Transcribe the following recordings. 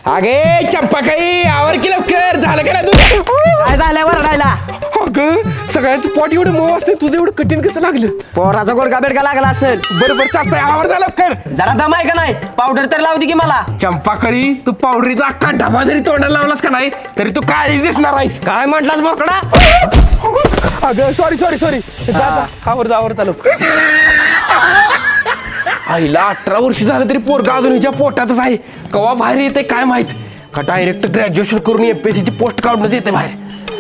अगे चंपाकाई आवर की लवकर झालं का ना तुझं काय झालंय वरडायला? अगं सगळ्यांचं पोट एवढं मऊ असते तुझं एवढं कठीण कसं लागलं पोराचा गोडका बेडका लागला असेल. बरोबर चालतंय आवर जा लवकर जरा दम आहे का नाही? पावडर तर लावू दे की मला. चंपाकळी तू पावडरीचा अख्खा डबा जरी तोंडाला लावलास का नाही तरी तू काळीच दिसणार आहेस काय म्हटलास बोकडा? अगं सॉरी सॉरी सॉरी आवर चालू आईला 18 वर्ष झालं तरी पोरगा अजून हिच्या पोटातच आहे कवा बाहेर येते काय माहित का डायरेक्ट ग्रॅज्युएशन करून एमपीएससी ची पोस्ट काढूनच येते बाहेर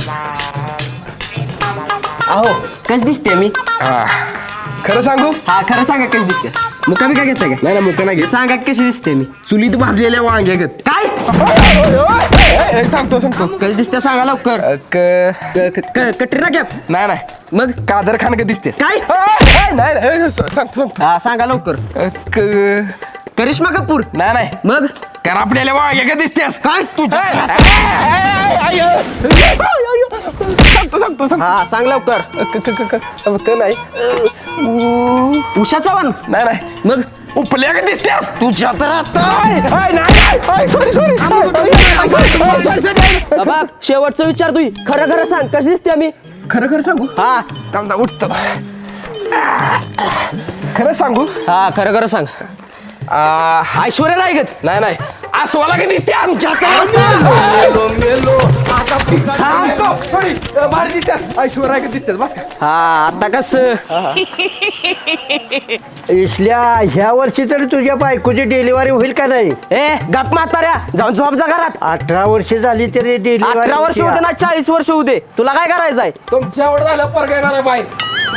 अहो कस दिसते मी? खरं सांगू हा खरं सांगा कशी दिसते. मुकामी काय घेता का? नाही ना मुका नाही घेत. सांगा कशी दिसते मी? चुलीत भाजलेल्या वांग्यागत काय सांगतो कशी दिसते सांगा लवकर. Katrina Kaif? नाही नाही मग कादर खान का दिसतेस काय? नाही सांगतो हा सांगा लवकर. करिश्मा कपूर? नाही नाही मग कर आपल्याला वांग्यागत दिसतेस काय तुझ्या? सांगतो हा सांग लवकर. नाही उषा चव्हाण? नाही नाही मग उपल्या का दिसतेस तुझ्या तर आता सॉरी बाबा शेवटचं विचार तू खरं खरं सांग कशी दिसते मी? खरं सांगू हा थांबता उठतो खरं सांगू हा खरं खरं सांग. ऐश्वर्या राय गत? नाही नाही अस्वाला का दिसते ऐश्वर्या का दिसतेस बस का हा आता कस इसल्या ह्या वर्षी तरी तुझ्या बायकोची डिलिव्हरी होईल का नाही? ए गप म्हाताऱ्या जाऊन झोप जा घरात. 18 वर्ष झाली तरी 18 वर्ष होते ना 40 वर्ष होऊ दे तुला काय करायचंय? तुमच्या एवढं झालं पोरगा येणार आहे बाहेर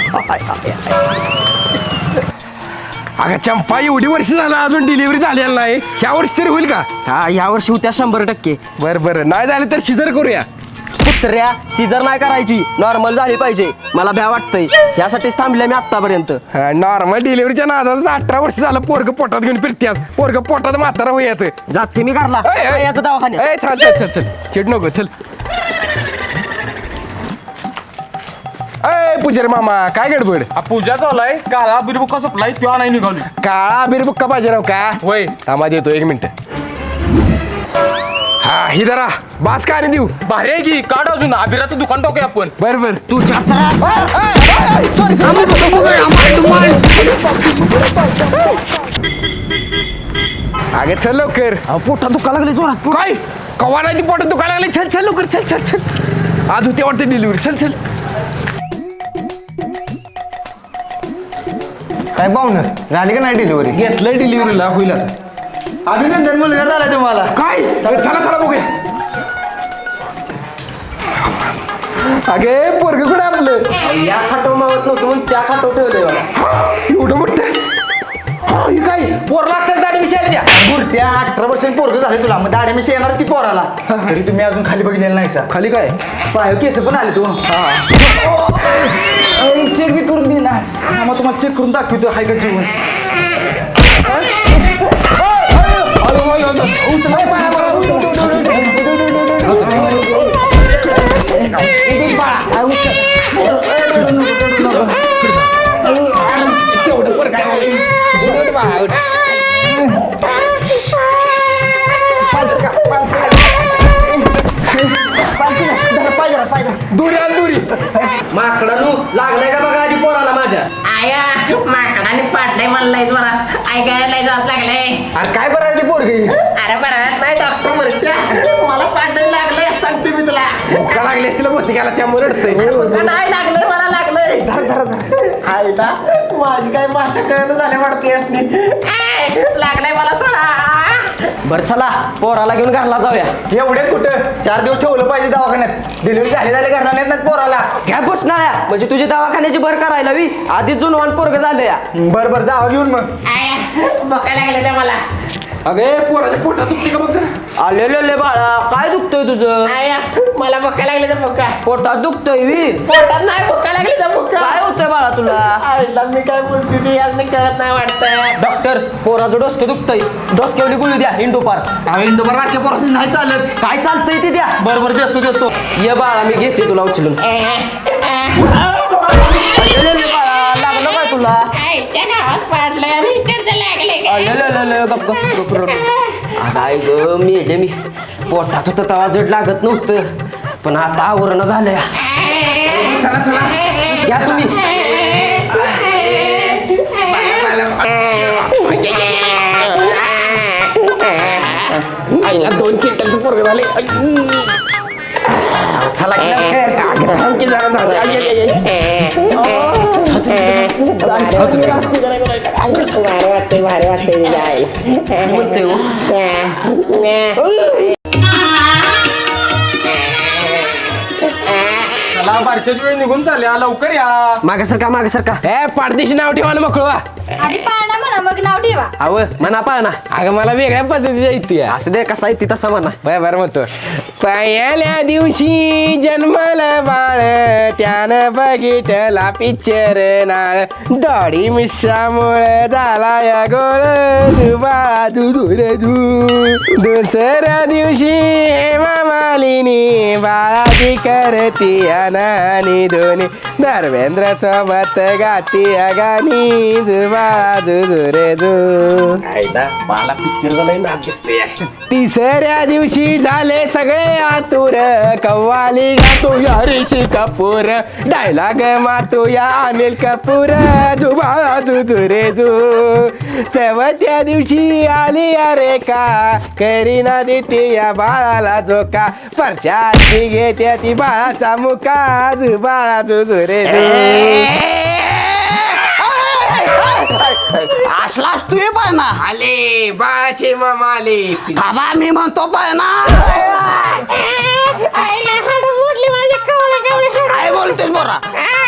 अगं चंपा एवढी वर्ष झालं अजून डिलिव्हरी झालेली नाही ह्या वर्षी तरी होईल का? हा या वर्षी होत्या 100%. बरं नाही झालं तर शिजर करूया कुत्र्या सीझर नाही करायची नॉर्मल झाली पाहिजे मला भ्या वाटतंय यासाठीच थांबले मी आतापर्यंत. नॉर्मल डिलिव्हरीच्या नादाचं 18 वर्ष झालं पोरग पोटात घेऊन फिरतेस पोरग पोटात म्हातारा होयाचं जाते मी घरला याचा दवाखान्यात. चल चिड नको चल अय पुजारी मामा काय गडबड पूजा चाललाय काळा बिरबुका सप्लाय त्यो नाही निघाली. काळा बिरबुक्का पाहिजे राव का होय थांबा देतो 1 मिनिट हा ही जरा बास का आणि देऊ भारी आहे की काढ अजून अभिराचं दुकान टाकूया आपण. बरं तू अगे चल लवकर पोटात दुखा लागले जोरात. काय कवा नाही ती पोटात दुखायला लागली चल लवकर चल आज होते वाटते डिलिव्हरी चल काय पाहुणं झाली का नाही डिलिव्हरी? घेतलंय डिलिव्हरीला होईल आता अभिनंदन मुलगा झाला तुम्हाला. काय चला बघूया अगे पोरग कुठे आपलं या खाटो मावत नव्हतं म्हणून त्या खाटो ठेवलंय मला. एवढं मोठं ही काय पोर लागतात दाढी मिशायला द्या बुरट्या 18 वर्षांनी पोरग झाले तुला मग दाड्या मिशी येणारच ती पोराला तरी तुम्ही अजून खाली बघितलेलं नाही सा. खाली काय पाय केस पण आले तू चेक बी करून दे ना मग तुम्हाला चेक करून दाखवतो हाय का जीवन. दुरी माकडानू लागलाय का बघा आधी पोराला माझ्या. आया माकडाने पाडलंय मला लय जोरात ऐकायला लय जोरात लागलंय. अरे काय बरं ती पोरगी अरे बरं नाही डॉक्टर म्हणत्या मला पाडलं लागलंय सांगते मी तुला. का लागली असतील मोठी गेला त्यामुळे रडतंय का नाही लागलंय मला लागलंय. आईला माझी काय भाषा कळत झाल्या वाटते असली लागलंय मला सोडा. बर चला पोराला घेऊन घरला जाऊया. एवढे कुठं 4 दिवस ठेवलं पाहिजे दवाखान्यात डिलिव्हरी झाले करणार नाहीत ना पोराला. घ्या बसणाऱ्या म्हणजे तुझी दवाखान्याची भर करायला वी आधीच जुनवान पोरग झालं या. बरं जावा घेऊन मग. आया बघायला लागलं त्या मला. अगे पोराच्या पोटात दुखते का बघ जरा आले बाळा काय दुखतोय तुझं? आया मला बघायला लागले त्या बघा पोटात दुखतोय वी. पोटात नाही बघायला लागले त्या बघा. काय होतंय बाळा तुला? आईला मी काय बोलते ती आज नाही कळत नाही वाटतंय. डॉक्टर पोराचं डोसकं दुखतंय डोसक्यावली गुळी द्या इंडोपार. इंडोबर बारक्या पोरासून नाही चालत. काय चालतंय ते द्या. बरोबर देतो ये बाळा मी घेते तुला उचलून. बाळा लागलं काय तुला? आईच्या गावात पाडलंय आणि त्याचं लागले गप काय ग मेले मी पोटात होतं तवा जड लागत नव्हतं पण आता आवरण झालंय. चला चला या तुम्ही. आईला 2 क्विंटलचं पोरग झाले. चला की लवकर. थांब की जरा दादा. भारी वाटते म्हणते हो. चला बारशाची वेळ निघून चालल्या लवकर या. मागासारखा ए पाडदेशी नाव ठेवा ना मोकळवा. आधी पाळणा म्हणा मग नाव ठेवा. अव म्हणा पाळणा. अगं मला वेगळ्या पद्धतीच्या इथे असं दे कसा आहे ती तसा म्हणा. बरं म्हणतो पहिल्या दिवशी जन्मला बाळ त्यानं बघितला पिक्चर नाळ दाढी मिशामुळे झाला या गोळ बाळा तू रे तू. दुसऱ्या दिवशी हेमा मालिनी बाळाची करती अनानी दोन्ही धर्मेंद्र सोबत गाती गाणी जुबाळा जुजू रे जू. मला पिक्चर झालाय ना दिसते. तिसऱ्या दिवशी झाले सगळे आतुर कव्वाली गातो या ऋषी कपूर डायलॉग मातो या अनिल कपूर जुबाळा जुजू रे जू. चौथ्या दिवशी आली या रेखा करीना देते या बाळाला झोका परशाची घेते ती बाळाचा मुका जुबाळा जुजू रे जू. असलाच तू पाय ना. आले बाळाचे मामा आले. थांबा मी म्हणतो पाय ना. काय बोलतोस बोरा.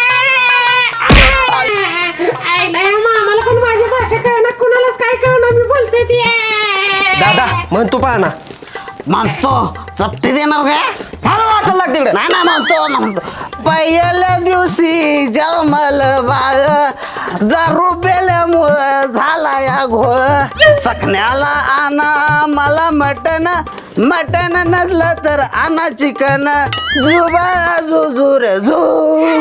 मामाला पण माझी भाषा कळणार कुणालाच काय कळणार मी बोलते ती. दादा म्हण तू पाळणा. म्हणतो चपटी देणार काय. झालं वाटायला लागते इकडे. नाही म्हणतो पहिल्या दिवशी जन्मल बाळ दारू पेल्यामुळं झाला या घोळ चकण्याला आणा मला मटण नसलं तर आणा चिकन जुबा जुजू रे झू.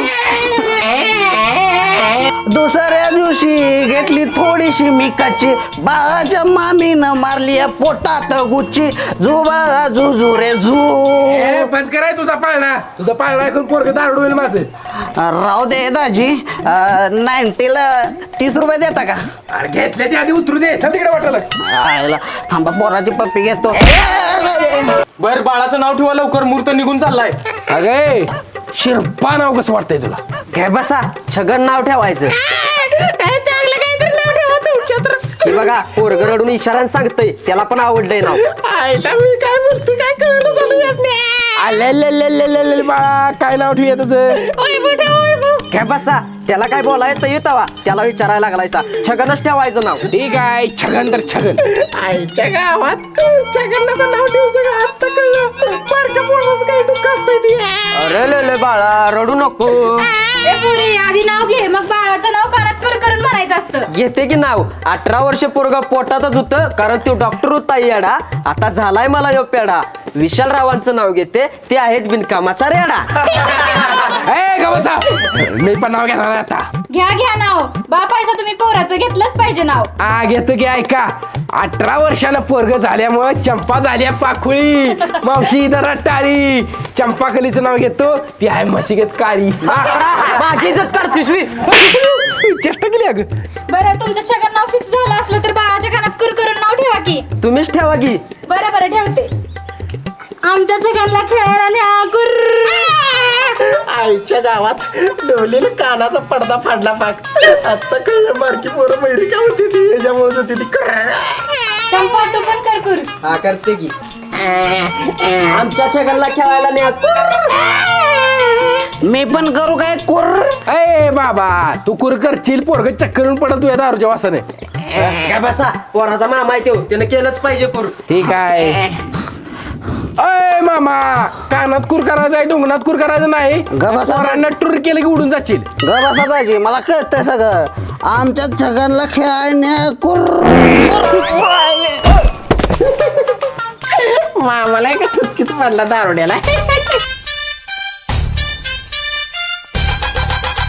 दुसऱ्या दिवशी घेतली थोडीशी मिकाची बाळाच्या मामीनं मारली पोटात गुच्ची जुबा जुजू रे झू. बंद कराय तुझा पाळणा ऐकून पोरग दारू होईल माझं. राहू दे दाजी 90ला 30 रुपये देता का. अरे घेतल्या ती आधी उतरू दे चल तिकडे वाटायला. आयला थांबा पोराची पप्पी घेतो. बर बाळाचं नाव ठेवा लवकर मुहूर्त निघून चाललाय. अगे शिरपा नाव कसं वाटतंय तुला. काय बसा छगन नाव ठेवायचं. चांगलं काहीतरी नाव ठेवा तुमच्या तर. हे बघा पोरग रडून इशाराने सांगतय त्याला पण आवडलंय नाव. आईला मी काय बोलते काय कळलं झालं यासने. आले बाळा काय नाव ठेवूया तुझं. काय बसा त्याला काय बोलायचं येतावा त्याला विचारायला लागलायचा छगनच ठेवायचं नाव. ठीक आहे छगन तर छगन. आईच्या गावात छगन नको नाव ठेवू सगळं आता कळलं. बारक्या पोराचं काही दुःख असतंय ती. अरे ले बाळा रडू नको. ए पुरी आधी नाव घे मग बाळाचं नाव कानात कर करून म्हणायचं असतं. घेते की नाव 18 वर्ष पोरगा पोटातच होतं कारण तो डॉक्टर होता येडा आता झालाय मला यो पेडा. विशाल रावांचं नाव घेते ते आहेत बिनकामाचा रेडा. ए ग बसा मी पण नाव घेणार आहे आता. घ्या नाव बाप आहे तुम्ही पोराचं घेतलंच पाहिजे नाव. घेतो की ऐका 18 वर्षानं पोरग झाल्यामुळं चंपा झाल्या पाखुळी मावशी इथं रट्टाळी चंपाकलीचं नाव घेतो ती आहे म्हशीगत काळी. माझी इज्जत काढतीस वी. चेष्टा केली अगं. बरं तुमचं छगन नाव फिक्स झालं असलं तर बाळाच्या कानात कर करून नाव ठेवा की. तुम्हीच ठेवा की. बरं ठेवते. आमच्या छगनला खेळायला न्या गुर्र. आईच्या गावात डोलीला कानाचा पडदा फाडला पाक. आता कळलं बारकी पोरं मैरी का होती ती याच्यामुळे होती ती. चंपा तू पण कर कुर. हा करते की. आमच्या छगनला खेळायला न्या. मी पण करू काय कुर. ए बाबा तू कुर करशील पोरग चक्करून पडल तू या दारूच्या वासाने. काय बसा पोराचा मामा आहे तो त्यानं केलंच पाहिजे करू. ठीक आहे. अय मामा कानात कुर करायचं आहे डोंगणात कुर करायचं नाही. बसा. पोरांना टूर केलं की उडून जाशील. बसा जायची मला कळतंय सगळं. आमच्या छगनला खेळायला कुर. मामाला एका ठुसकीत पडला दारुड्याला.